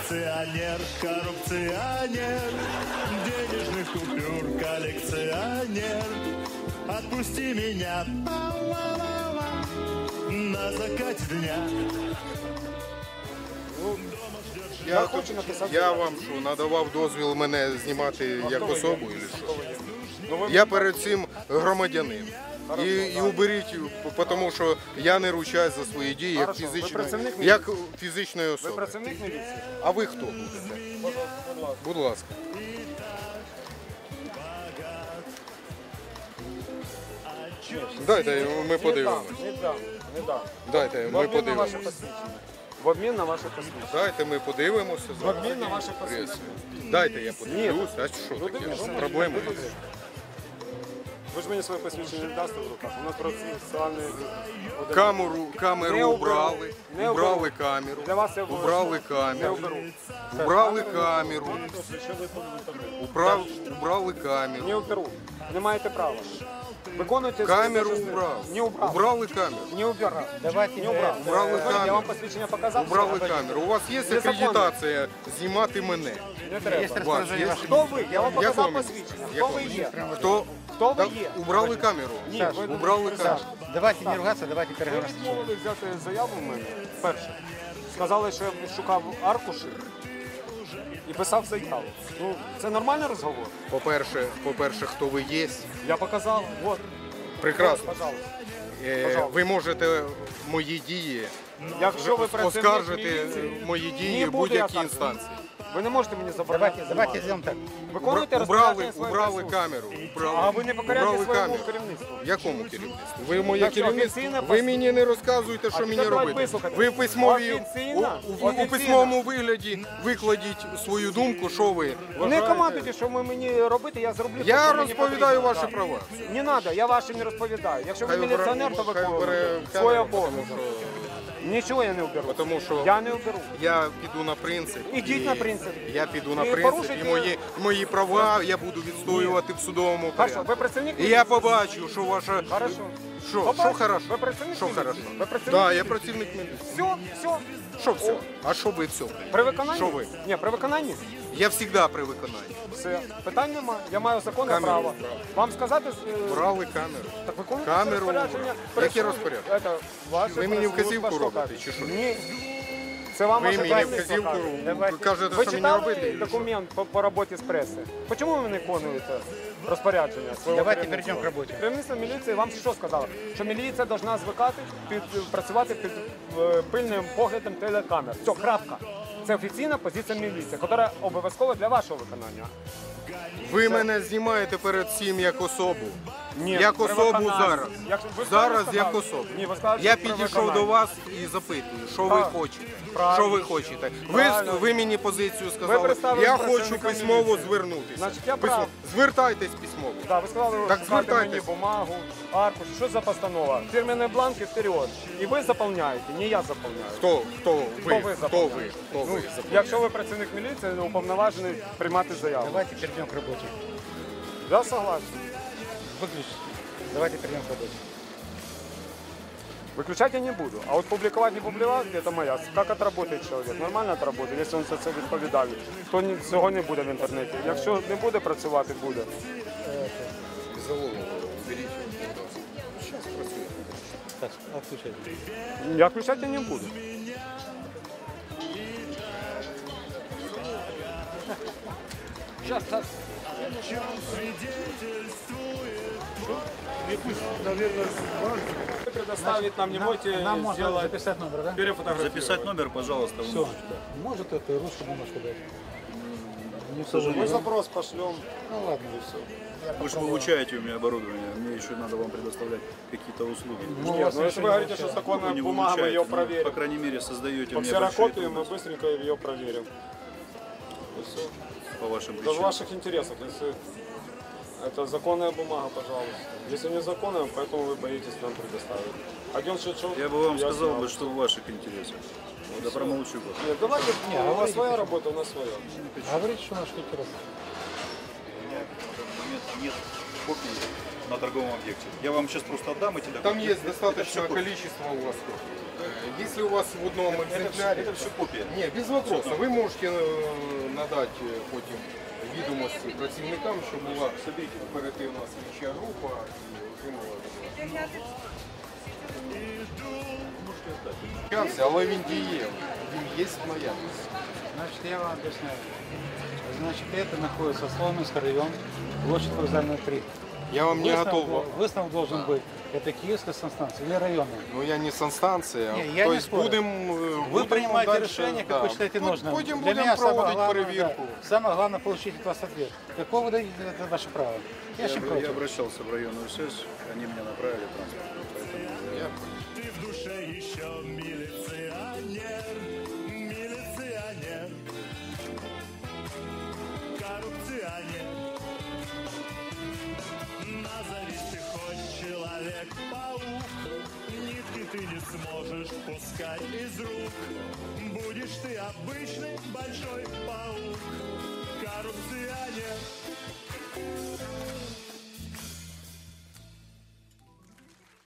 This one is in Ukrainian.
Коллекционер, коррупционер, денежных купюр коллекционер. Отпусти меня на закате дня. Я вам що, надавав дозвіл мене знімати як особу, чи що? Я перед цим громадянин. І уберіть, тому що я не ручаюсь за свої дії як фізичної особи. Ви працівник міліції? А ви хто будете? Будь ласка. Дайте, ми подивимося. Не дам. Дайте, ми подивимося. В обмін на ваше посвідчення. Дайте, ми подивимося. В обмін на ваше посвідчення. Дайте, я подивлюсь. А що таке? Проблеми? Ви ж мені своє посвідчення не дасте в руках. У нас процесуальний... Камеру убрали. Убрали камеру. Для вас я убрали не камеру. оберу. Убрали камеру. Убрали камеру. Не оберу. Не маєте права. Виконуйте Камеру свої убрав. Не убрав. Убрали камеру. Не убирав. Давайте Не убрав. Убрали Я камеру. вам посвідчення показав. Убрали камеру. У вас є акредитація знімати мене? Не треба. У вас є? Хто ви? Я вам Як показав вам? посвідчення. Як Хто ви вам? є? Хто ви є? Убрали камеру. Ні, ви Убрали камеру. Давайте не ругаться, давайте Ви переговоримо. відмовили взяти заяву в мене перше. Сказали, що я шукав аркуші і писав заяву. Ну, це нормальний розговор? По-перше, хто ви є. Я показав. Вот. Прекрасно. Пожалуйста. Ви можете мої дії Якщо ви працівник оскаржити міліції, мої дії не в буду я будь-якій так. інстанції. Ви не можете мені забрати. Давайте сделаем так. Виконуйте розпорядження своєї Убрали присутності. камеру. А ви не покоряєте Убрали своєму камеру. керівництву. Якому керівництву? Ви моє Так що керівництво. офіційне Ви мені не розказуєте, що А мені тепер давайте робити. вислухайте. Ви в Офіційно? у письмовому вигляді викладіть свою думку, що ви Не вважаєте. командуйте, що ви мені робити, я зроблю. Я що мені розповідаю потрібно. ваші Так. права. Не треба, я ваші не розповідаю. Якщо ви Хай обере- міліціонер, то хай виконуйте обере свій камеру, обов'язок. Нічого я не оберу. Тому що Я не оберу. я піду на принцип. Ідіть і на принцип. Я піду на І принцип, порушуйте- і мої права я буду відстоювати в судовому Хорошо, порядку. ви працівник? І я побачу, що ваша... Хорошо. Що Побачу. хорошо? Ви працівник Що міліції? хорошо? Ви працівник Так, я міліції? працівник міліції. Все. Що все? А що ви все? При виконанні? Що ви? Ні, при виконанні. Я завжди при виконанні. Все. Питань нема. Я маю законне Камеру право. брав. Вам сказати... Брали камеру. Так виконуйте Камеру розпорядження. брав. Яке розпорядження? Це ваше Ви мені служба вказівку що робите, каже? чи що? Ні. Це вам Ви ваше мені керівництво вказівку каже. кажете, Ви що мені читали робити? документ по роботі з преси? Чому ви не виконуєте розпорядження свого Давайте керівництва? перейдемо к роботі. Керівництво міліції вам що сказало? Що міліція повинна звикати працювати під пильним поглядом телекамер. Все, крапка. Це офіційна позиція міліції, яка обов'язкова для вашого виконання. Ви мене знімаєте перед цим як особу. Ні, Як при особу виконанні. зараз. Ви Зараз сказали? як особу. Ні, ви сказали, Я що при підійшов виконанні. до вас і запитую, що ви Так. хочете. Правильно. Що ви хочете? Правильно. Ви мені позицію Ви сказали, представили я хочу представника письмово міліції. звернутися. Значить, я прав. Звертайтесь письмово. Да, ви сказали, Так шукайте мені звертайтесь. бумагу, аркуш. Що за постанова? Фірменні бланки вперед. І ви заповняєте, не я заповняю. Хто ви? Хто ви Хто заповняєте? ви? Хто ви? Якщо ви працівник міліції, не уповноважений приймати заяву. Давайте перейдем к работе. Я согласен. Выключите. Давайте перейдем к работе. Выключать я не буду. А вот публиковать, не публиковать, это моя. Как отработает человек? Нормально отработає, якщо він за це відповідає. Хто цього не буде в інтернеті. Якщо не буде працювати, буде. Залогу беріть. Зараз працює. Так, отключайте. Я включати не буду. Сейчас. Предоставить нам, не можете Нам можно сделать, записать номер, да? перефотографировать. Записать номер, пожалуйста. вы Все. можете, да. Может это ручку бумажку дать? Не К сожалению. Мы запрос пошлем. Ну ладно. Вы же получаете у меня оборудование, мне еще надо вам предоставлять какие-то услуги. Нет, но если вы говорите, что законная Вы не бумага, мы ее получаете, ну, по проверим. крайней мере, создаете По мне большие ксерокопии мы трудности быстренько ее проверим. И все. по вашим Это в причинам. ваших интересах. Если это законная бумага, пожалуйста. Если незаконная, поэтому вы боитесь нам предоставить. Агент Шевчук, Я бы вам сказал, знал. что в ваших интересах. Да промолчу просто. Нет, давайте, у вас своя работа, у нас своя. Говорите, что наш ветеран. У меня в данный момент нет копий на торговом объекте. Я вам сейчас просто отдам эти документы. Там есть Это достаточное всё копии. количество у вас. Если у вас в одном экземпляре... Это все копия. Ні, без вопросу. Ви можете надати потім відомості працівникам, що була оперативна слідча група і отримала. Але він дієвий, він є в наявності. Значит, я вам объясняю. Значит, это находится Соломенский район, площадь Вокзальная 3. Я вам не готов. Выставок должен быть. Это Киевская санстанция или районная. Ну я не санстанція. Не, я То не есть спорю. будем принимаете дальше, решение, как да. вы считаете нужным. Потім Для будемо меня самое проводити главное, перевірку. да, самое главное получить от вас ответ. Какого вы дадите, это ваше право. Я очень Я против. обращался в районную связь, они меня направили транспорт. Поэтому я... Ты в душе еще милиционер, милиционер, коррупционер. Назовись ты хоть человек-паук, нитки ты не сможешь пускать из рук. Будешь ты обычный большой